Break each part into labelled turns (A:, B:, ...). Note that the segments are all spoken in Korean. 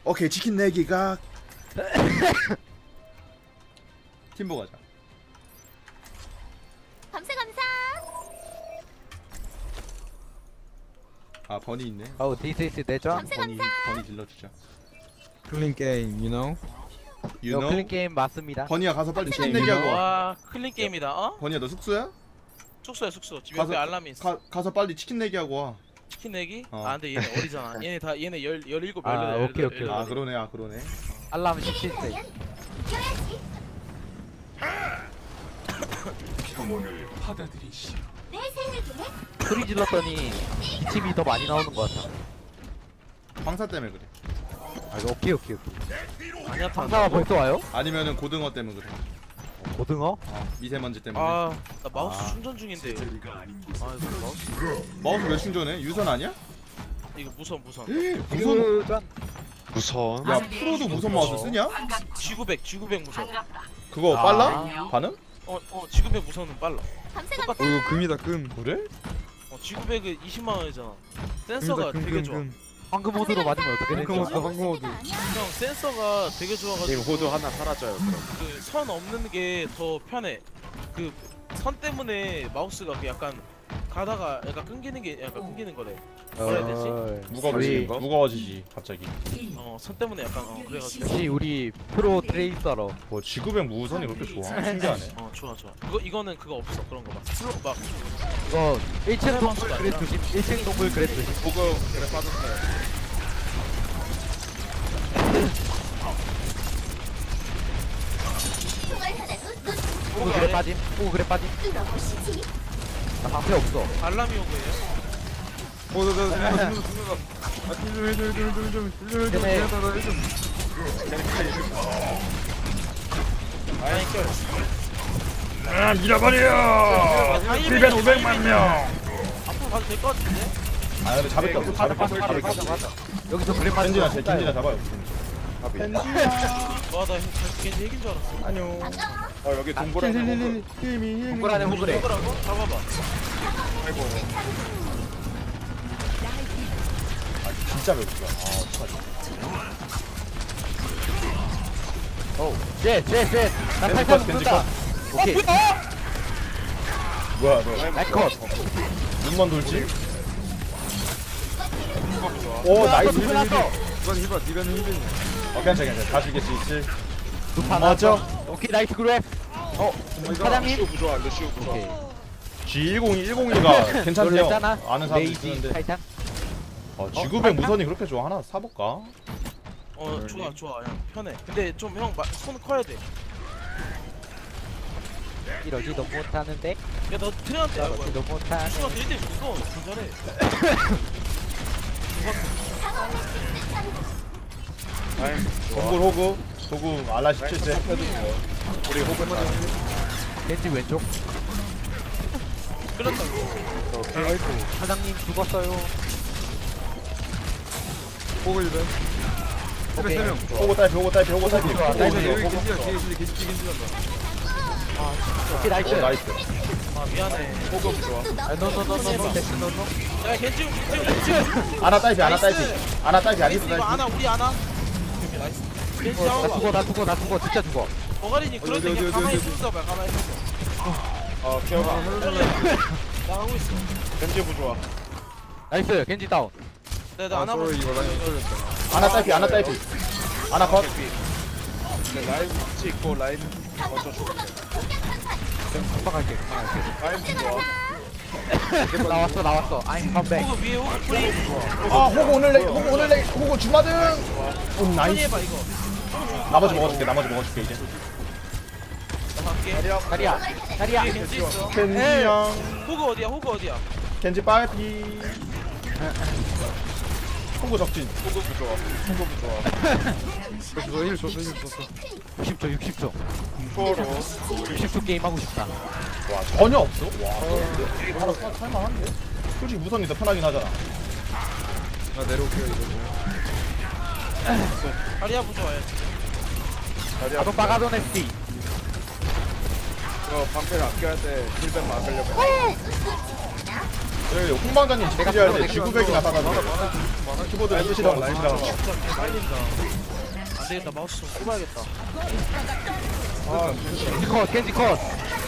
A: 오케이 치킨 내기가 팀보 가자.
B: 감사 감사.
A: 아 버니 있네.
C: Oh, this is 내전.
A: 버니 질러주자.
D: 클린 게임, you know?
A: You
C: 이거
A: know?
C: 클린 게임 맞습니다.
A: 버니야 가서 빨리 치킨
D: 게임,
A: 내기하고 와.
E: 와 클린 게임이다. 어?
A: 버니야 너 숙소야?
E: 숙소야 숙소. 집에
A: 가서-
E: 옆에 알람이 있어.
A: 가서 빨리 치킨 내기하고 와.
E: 치킨 내기?
A: 어.
E: 아 근데 얘네 어리잖아. 얘네 다 얘네 17, 18,
C: 아,
E: 18.
C: 오케이, 오케이.
A: 아 그러네 아 그러네.
C: 알람 17세.
B: 이겨야지. 내 생각에
C: 소리 질렀더니 팀이 더 많이 나오는 것 같아.
A: 황사 때문에 그래.
C: 아, 이거 오케이.
E: 아니야
C: 상사가 벌써 와요?
A: 아니면은 고등어 때문에 그래.
C: 고등어?
A: 미세먼지 때문에.
E: 아나 마우스
A: 아.
E: 충전 중인데. 아 이거 마우스
A: 마우스 왜 충전해? 유선 아니야?
E: 이거 무선.
A: 무선?
D: 무선.
A: 야 프로도 무선 마우스 쓰냐?
E: G900 무선.
A: 그거
C: 아.
A: 빨라? 반응?
E: G900 무선은 빨라.
B: 감사
E: 똑같아.
B: 감사.
D: 이거 금이다, 금.
A: 그래?
E: G900은 20만 원이잖아. 센서가 되게 좋아.
C: 황금 모드로 맞으면 어떻게
D: 황금
C: 되죠?
D: 모드, 황금 모드.
E: 형 센서가 되게 좋아가지고
F: 호두 하나 사라져요. 그럼.
E: 그 선 없는 게 더 편해. 그 선 때문에 마우스가 그 약간 가다가 약간 끊기는 게 약간 끊기는 거래. 뭐라 해야 되지?
A: 무거워지지.
C: 우리-
A: 무거워지지 갑자기.
E: 선 때문에 약간 그래가지고.
C: 역시 우리 프로 트레이서로.
A: 뭐 G900 무선이 그렇게 좋아? 신기하네.
E: 좋아. 이거는 그거 없어 그런 거 막. 막
C: 이거 1층 동물
E: 마우스가
C: 그래
E: 아니라.
C: 조심. 1층 동물 그래 조심.
F: 보고 그래 빠졌어요.
B: 정말 하나도 놓치지
C: 오 그래 빠짐. 오 그래 빠짐.
B: 뚫어보시지.
C: 나 방패 없어.
E: 알람이 온 거예요?
D: 아, 좀 해줘.
C: 때문에-
A: 아 잃어버려.
E: 1,500만 명. 앞으로 가도 될 것 같은데?
A: 아 근데 잡을 게 없어. 잡을 게 없어.
C: 여기서 그래 빠짐.
A: 겐지나 잡아요.
E: 와나 겐지 핵인 줄 알았어.
A: 안녕.
F: 여기 동굴에
C: 동굴 안에 호그래.
E: 뭐라고? 잡아봐.
A: 진짜 배고프다. 아 어떡하지?
C: 셋. 나
A: 겐지
C: 탈탈
A: 컷, 겐지
C: 붙는다. 오케이.
A: 뭐야 너
C: 날컷.
A: 눈만 돌지? 오 나이스 힐
C: 났어.
D: 이번 히바, 니가는 힘드니.
A: 괜찮아 다 죽일 수 있지.
C: 두판
A: 맞아.
C: 오케이 나이스 그랩. 사장님.
F: 루시우 부조화, 루시우 부조화.
C: 오케이.
A: G101가 괜찮대요.
C: 놀랬잖아.
A: 아는 사람도
C: 레이지
A: 있는데.
C: 타이탄.
A: G900 무선이 그렇게 좋아? 하나 사볼까?
E: 좋아. 형 편해. 근데 좀 형 손 커야 돼.
C: 이러지도 못하는데.
E: 야 너 트레한테 하고.
C: 이러지도 못하는.
E: 수가 1대 줬어. 잘해.
A: 동굴 호구 알라 17세.
F: 우리 호분
C: 겐지 왼쪽.
E: 끌었다고.
C: 사장님 죽었어요.
D: 호그 일벤.
C: 오케이.
D: 3명.
A: 호구 딸피.
C: 좋아,
D: 여기
C: 나이스.
D: 겐지야, 겐지 간다.
C: 오케이 나이스.
A: 오 나이스.
E: 아 미안해.
F: 호그 부조화.
C: 노노노노노.
E: 야 겐지.
A: 아나 딸피 아니도
E: 이거
A: 딸피.
E: 아나 우리 아나. 오케이, 나이스. 겐지
C: 나
E: 잡아봐.
C: 죽어 진짜 죽어.
E: 버가리니 그럴 때
D: 어디,
E: 그냥
D: 어디,
E: 가만히
D: 어디,
E: 있어봐. 가만히 있어.
F: 기어가.
E: 나가고 있어.
F: 겐지 부조화.
C: 나이스 겐지 다운.
E: 내가 아나
D: 쏘리, 이거 라인 떨렸다.
A: 아나 딸피. 아나 컷.
F: 라인 찍고 라인 먼저 줘.
C: 깜빡할게.
F: 라인 부조화.
C: 나왔어. I'm come back.
E: 호그 위에 호그 프리.
A: 아 호구 오늘 호구 주마등. 오
E: 천천히
A: 나이스.
E: 해봐 이거.
A: 나머지 먹어줄게 이제.
E: 나 갈게.
C: 다리야.
E: 뒤에 겐지 있어.
A: 켄지 형.
E: 호그 어디야?
A: 켄지 빨피. 호구 적진.
F: 호그 부조화. 호그 부조화.
D: 힐 줬어.
C: 60초.
F: 초로.
C: 60초 게임 하고 싶다.
A: 와 전혀 없어. 와 하나 살만한데. 솔직히 무선이 더 편하긴 하잖아.
D: 나 내려올게요, 이거.
E: 다리야 부좋아요.
C: 아동 빠가돈 SD.
F: 방패를 아껴야 돼. 힐벤 막으려면.
A: 여기 홍방장님 지켜줘야 돼. 지구백이나 사다 줘. 키보드 랜드시라고 쓰시라고.
E: 진짜 개 빨린다. 안 되겠다. 마우스 좀 꼽아야겠다.
C: 겐지 컷 겐지 컷.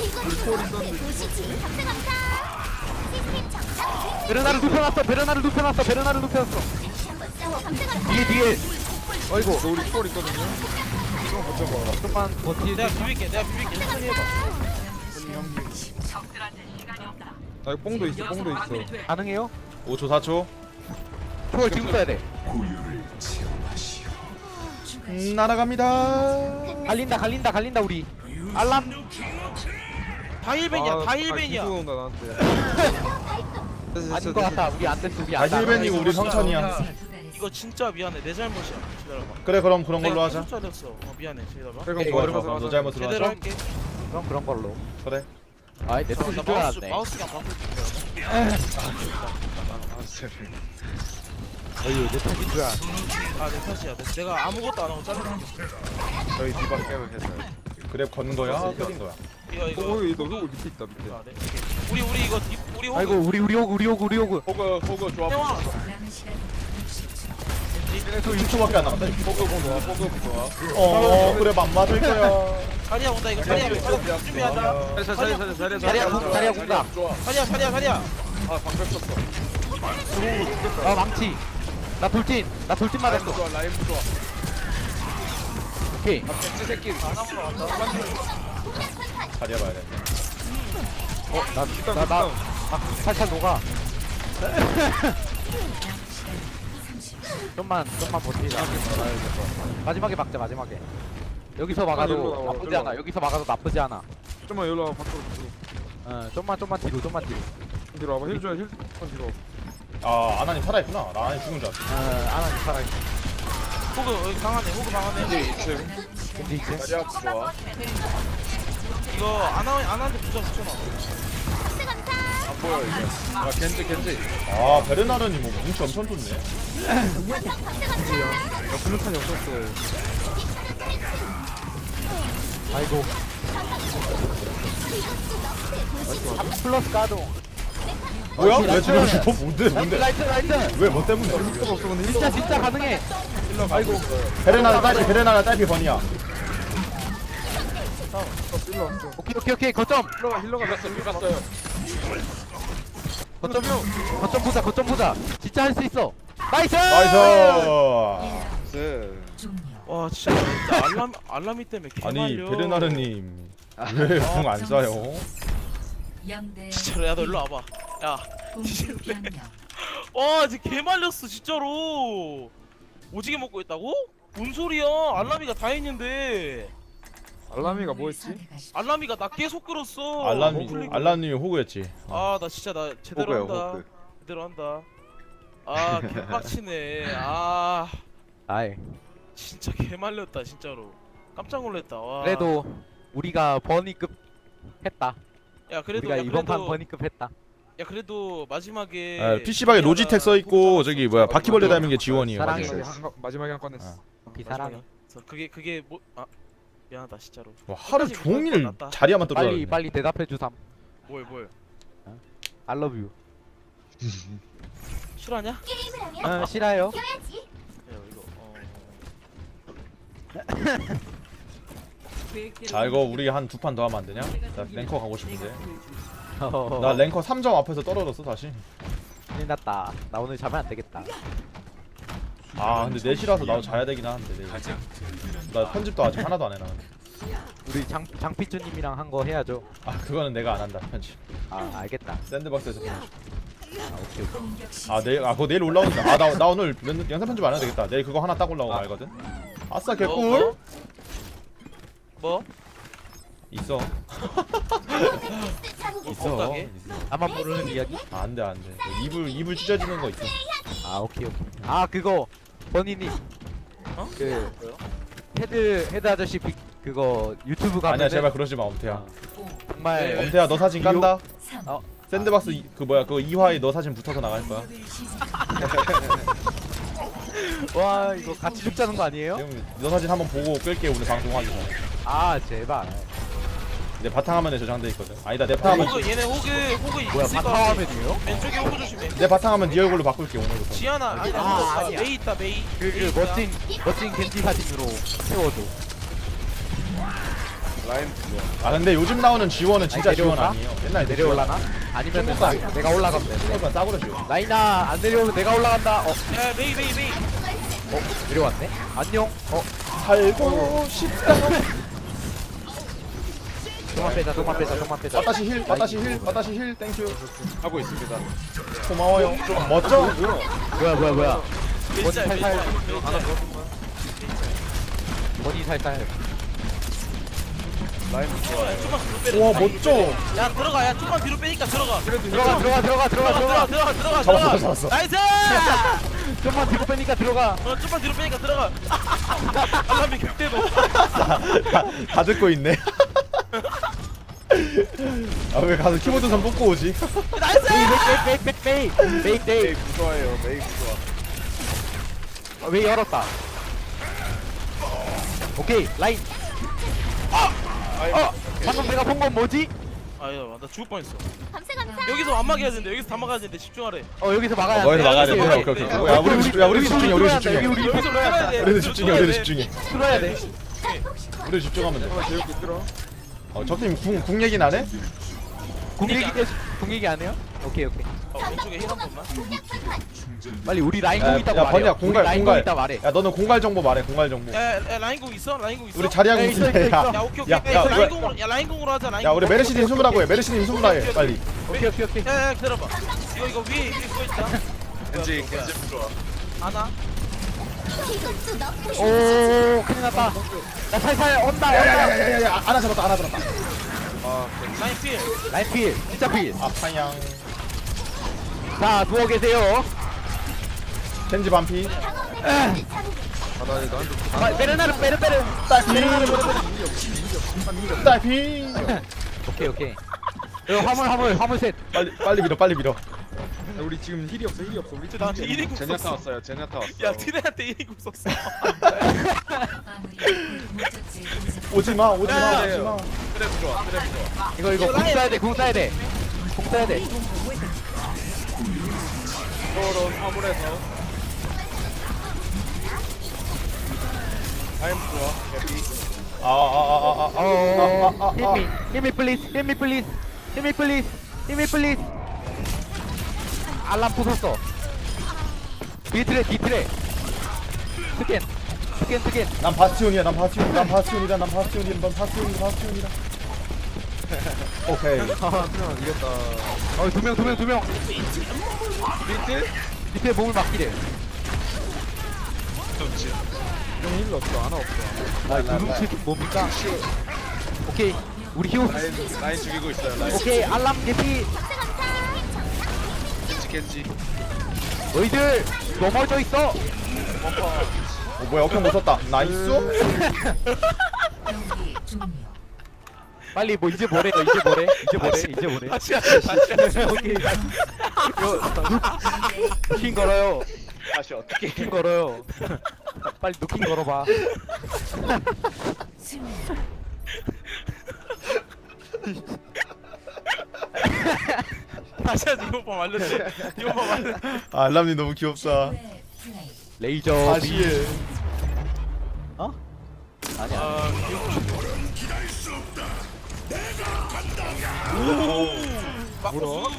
B: 도시지 감사합니다. 시스템 정상.
C: 베르나를 눕혀놨어 베르나를 눕혀놨어 베르나를 눕혀놨어.
B: 한번 싸워 감사합니다.
C: 뒤에 어이구
D: 너 우리 콜 있거든요. 좀 버텨봐.
C: 좀만 버티.
E: 내가 비빌게. 천천히 해봐.
D: 나 이거 뽕도 있어. 뽕도 있어.
C: 가능해요?
A: 5초 4초.
C: 초월 지금 써야 돼.
A: 날아갑니다.
C: 갈린다 우리. 알람.
E: 다 힐벤이야. 다 힐벤이야.
D: 기수 온다 나한테.
C: 아닌 것 같다. 우리 안 됐어. 우리 안
A: 다시
C: 됐어.
A: 1벤이고 우리 성천이야.
E: 이거 진짜 미안해. 내 잘못이야. 기다려봐.
A: 그래 그럼 그런 걸로 하자.
E: 잘했어. 미안해. 기다려봐.
D: 그럼
A: 좋아
D: 뭐
A: 좋아. 너 잘못으로
E: 제대로
A: 하자.
E: 할게.
C: 그럼 그런 걸로.
A: 그래.
C: 아이 내
E: 나
C: 뜻이 줄알았네.
E: 마우스가 바꿀게.
C: 어휴 내 뜻인 줄 알았네.
E: 아내 탓이야. 내가 아무것도 안 하고 잘랐어.
F: 저희 디바 깨면 해서.
A: 그래 건 거야. 끓인 거야.
E: 이거.
D: 너 호구 밑에 있다 밑에.
E: 아, 네. 우리 이거 우리 호그.
C: 아이고 우리 호구.
F: 호그 조합.
E: 태왕.
A: 또 6초밖에 안 남았다.
F: 호그 좋아.
A: 그래 맘 맞을 거야.
E: 자리야 온다 이거. 자리야 준비하자.
C: 자리야 군다.
F: 좋아.
E: 자리야.
F: 아 방금 썼어.
C: 아 망치. 나 돌진
F: 라임
C: 맞았어.
F: 좋아. 라임 좋아.
C: 오케이.
F: 아 벤츠 새끼.
A: 자리 해봐야 돼.
C: 나 살살 녹아. 좀만 버티자. 마지막에 막자 마지막에. 여기서
D: 일로
C: 막아도
D: 나와,
C: 나쁘지
D: 일로
C: 않아. 여기서 막아도 나쁘지 않아.
D: 좀만 여기로 와봐. 밖으로.
C: 좀만 뒤로.
D: 뒤로 와봐. 힐 줘야 힐. 좀 뒤로.
A: 아 아나님 살아있구나. 나 아나님 죽은 줄 알았어.
C: 안하니 살아있어.
E: 호그 여기 강하네. 호그 강하네.
C: 근데 이제
F: 자리야 좋아.
E: 이거 안한테 붙여놔.
F: 안 보여 이제. 아 겐지.
A: 아 베르나르님 뭐 뭉치 엄청 좋네.
D: 야 블루탄이 없었어.
C: 아이고. 플러스 가동.
A: 뭐야? 왜 지금 죽어? 뭔데?
C: 라이트.
A: 왜 뭐 때문에?
D: 필요가 없어 근데 힐.
C: 진짜 가능해.
A: 아이고. 베르나르 딸피 번이야.
D: 일로 왔어.
C: 오케이 거점.
D: 힐러가
F: 갔어요.
C: 거점 보자. 진짜 할 수 있어. 나이스.
A: 나이스.
E: 와 진짜 알람이 때문에 개말려.
A: 아니 베르나르님 왜 궁 안 쏴요?
E: 진짜로 야너 일로 와봐. 야. 와 진짜 개말렸어 진짜로. 오지게 먹고 있다고? 뭔 소리야? 알람이가 다 했는데.
D: 알라미가 뭐였지?
E: 알람이가 나 계속 끌었어.
A: 알람님이 호구였지.
E: 아 나 진짜 나 제대로
F: 호그야,
E: 한다.
F: 호그.
E: 제대로 한다. 아 개빡치네. 아
C: 아이.
E: 진짜 개말렸다 진짜로. 깜짝 놀랐다. 와.
C: 그래도 우리가 버니급 했다.
E: 야 그래도
C: 우리가
E: 야,
C: 이번 판
E: 그래도
C: 버니급 했다.
E: 야 그래도 마지막에
A: 아, PC방에 로지텍 써 있고 저기 뭐야 바퀴벌레 닮은 게 지원이에요.
C: 사랑해.
D: 마지막에 한 건 했어.
C: 비사랑해.
E: 그게 뭐 아 미안하다 진짜로.
A: 와, 하루
E: 끝까지
A: 종일
E: 못할 것 같다.
A: 자리야만 떨어져.
C: 빨리 대답해 주삼.
E: 뭘
C: I love you.
E: 실화냐?
B: 게임을 하면
C: 싫어요.
B: 이겨야지.
E: 야 이거
A: 자 이거 우리 한 두 판 더 하면 안 되냐? 나 랭커 가고 싶은데. 나
C: 나
A: 랭커 3점 앞에서 떨어졌어 다시.
C: 큰일 났다. 나 오늘 자면 안 되겠다.
A: 아 근데 4시라서 나도 자야 되긴 하는데 내일. 나 편집도 아직 하나도 안 해놔.
C: 우리 장피쭈님이랑 한 거 해야죠.
A: 아 그거는 내가 안 한다 편집.
C: 아 알겠다.
A: 샌드박스에서 편집.
C: 오케이.
A: 아 내일 그거 내일 올라온다. 나 오늘 영상 편집 안 해도 되겠다. 내일 그거 하나 딱 올라오고 말거든. 아싸 개꿀.
E: 뭐?
A: 있어. 있어.
E: 건강해?
C: 나만 모르는 이야기?
A: 아, 안돼 안돼. 이불 찢어지는 거 있어.
C: 아 오케이. 아 그거 버니님.
E: 어?
C: 그
E: 뭐요?
C: 헤드 아저씨 그거 유튜브 가면
A: 아니야 제발 그러지 마 엄태야.
C: 정말
E: 네.
A: 엄태야 너 사진 깐다.
C: 어.
A: 샌드박스 그 뭐야 그거 2화에 너 사진 붙어서 나갈 거야.
C: 와 이거 같이 죽자는 거 아니에요?
A: 지금 너 사진 한번 보고 끌게 오늘 방송하기 전에.
C: 아 제발.
A: 내 바탕화면에 저장돼 있거든. 아니다 내 바탕화면
E: 호그 얘네 호그
C: 뭐야
E: 있을 것 같아.
C: 바탕화면이에요?
E: 왼쪽에 호그 조심해.
A: 내 바탕화면 네 얼굴로 바꿀게 오늘부터.
E: 지하나 아니
C: 아,
E: 아,
C: 아니야.
E: 메이 있다 메이.
C: 그 멋진 겐지 사진으로 세워줘.
F: 라인 좋아.
A: 아 근데 요즘 나오는 지원은 진짜
C: 아니,
A: 지원
C: 내려올까?
A: 아니에요. 옛날에
C: 내려올라나? 아니면은
A: 중국산.
C: 내가 올라가면 돼.
A: 중국산 싸구려 지원.
C: 라이나 안 내려오면 내가 올라간다.
E: 야 메이 메이 메이.
C: 내려왔네. 안녕.
A: 살고 싶다.
C: 좀만 빼자. 좀만 빼자.
A: 빠따시 힐, 빠따시 힐, 땡큐.
F: 하고 있습니다.
A: 고마워요. 멋져.
C: 뭐야.
E: 멜짤
C: 살살.
E: 멜짤.
C: 머니 살살.
F: 라인 좋아.
E: 야, 좀만 뒤로 빼.
A: 와 멋져.
E: 야 들어가 야 좀만 뒤로 빼니까 들어가.
C: 들어가.
A: 잡았어.
E: 나이스.
C: 좀만 뒤로 빼니까 들어가.
E: 좀만 뒤로 빼니까 들어가. 알람이 극대노.
A: 다 듣고 있네. 아 왜 가서 키보드 선 뽑고 오지?
E: 나이스.
C: 메이.
F: 메이 부좋아해요. 메이 부좋아.
C: 왜 열었다. 오케이 라인. 방금 내가 본 건 뭐지?
E: 아야 나 죽을 뻔했어.
B: 감사 감사.
E: 여기서 안 막아야 되는데 여기서 다 막아야 되는데 집중하래.
C: 여기서 막아야 돼.
A: 거기서 막아야 돼.
E: 오케이,
A: 오케이.
E: 오케이.
A: 야 우리 집중해. 우리 집중해.
E: 여기서 막아야 돼.
A: 우리도 집중해.
C: 틀어야 돼.
A: 우리 집중하면 돼.
D: 재밌게 들어.
A: 적팀 궁 얘기는 안 해?
C: 궁 얘기 안 해요? 오케이.
E: 왼쪽에 힐한 번만.
C: 빨리 우리 라인 공
A: 야,
C: 있다고
A: 야
C: 말해.
A: 번이야 공갈
C: 라인 공
A: 공갈.
C: 있다 말해.
A: 야 너는 공갈 정보 말해. 공갈 정보.
E: 야 라인공 있어? 라인공 있어?
A: 우리 자리하고
C: 야, 있어,
A: 있는데.
C: 있어, 있어.
E: 야 오케이 오케이.
A: 야,
E: 야,
A: 야,
E: 라인공으로 야 라인공으로 하자. 라인공.
A: 야 우리 메르시님 숨으라고 해. 메르시님 숨으라 해. 빨리.
C: 오케이.
E: 야야 기다려봐. 이거 위에 그거 있다.
F: 겐지 부좋아.
E: 하나.
B: 이것도 너프의
C: 오 큰일 났다. 나 살살 온다.
A: 야야야야야 하나 잡았다.
E: 라인 필.
C: 라인 필. 진짜 필.
A: 아파양.
C: 자 누워 계세요.
A: 겐지 반피.
C: 베르나르.
A: 딸피.
C: 오케이. 이거 화물 셋.
A: 빨리 밀어.
D: 우리 지금 힐이 없어. 우리 팀
E: 나한테 1인국
F: 제냐타
E: 썼어.
F: 왔어요. 제냐타 왔어.
E: 야 티네한테 1인국 썼어.
A: 오지마.
F: 트랩 부좋아.
C: 이거 궁 써야 돼. 궁 써야 돼.
F: 서로 화물에서. 라인 부좋아. 개피.
C: Hit me please. 알람 부쉈어. 뒤트레. 스캔.
A: 난 바스티온이야. 오케이.
C: 두 명. 밑에 몸을 맡기래.
D: 형 힐러 없어. 하나 없어.
C: 두둥칠 뭡니까? 오케이. 우리 히오.
F: 라인 죽이고 있어요. 라인.
C: 오케이. 알람 개피.
F: 겐지.
C: 너희들 넘어져 있어.
A: 뭐야 역행 못 썼다. 나이스.
C: 빨리 뭐 이제 뭐래?
E: 다시
C: 오케이. 누킹 걸어요.
F: 다시 어떻게?
C: 누킹 걸어요. 빨리 누킹 걸어봐.
E: 다시 하자. 이거 봐 알려줘.
A: 아 알람님 너무 귀엽다.
C: 레이저
A: 다시 해.
C: 어? 아니야.
E: 아
D: 물어.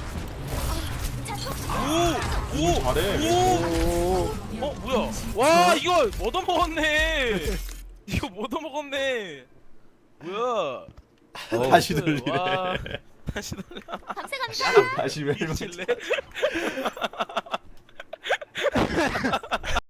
E: 오
A: 잘해.
E: 뭐야? 와 이거 얻어먹었네. 뭐야?
A: 다시 돌리래.
E: 와, 다시 돌려.
B: 감사 감사.
A: 다시 왜
E: 미칠래?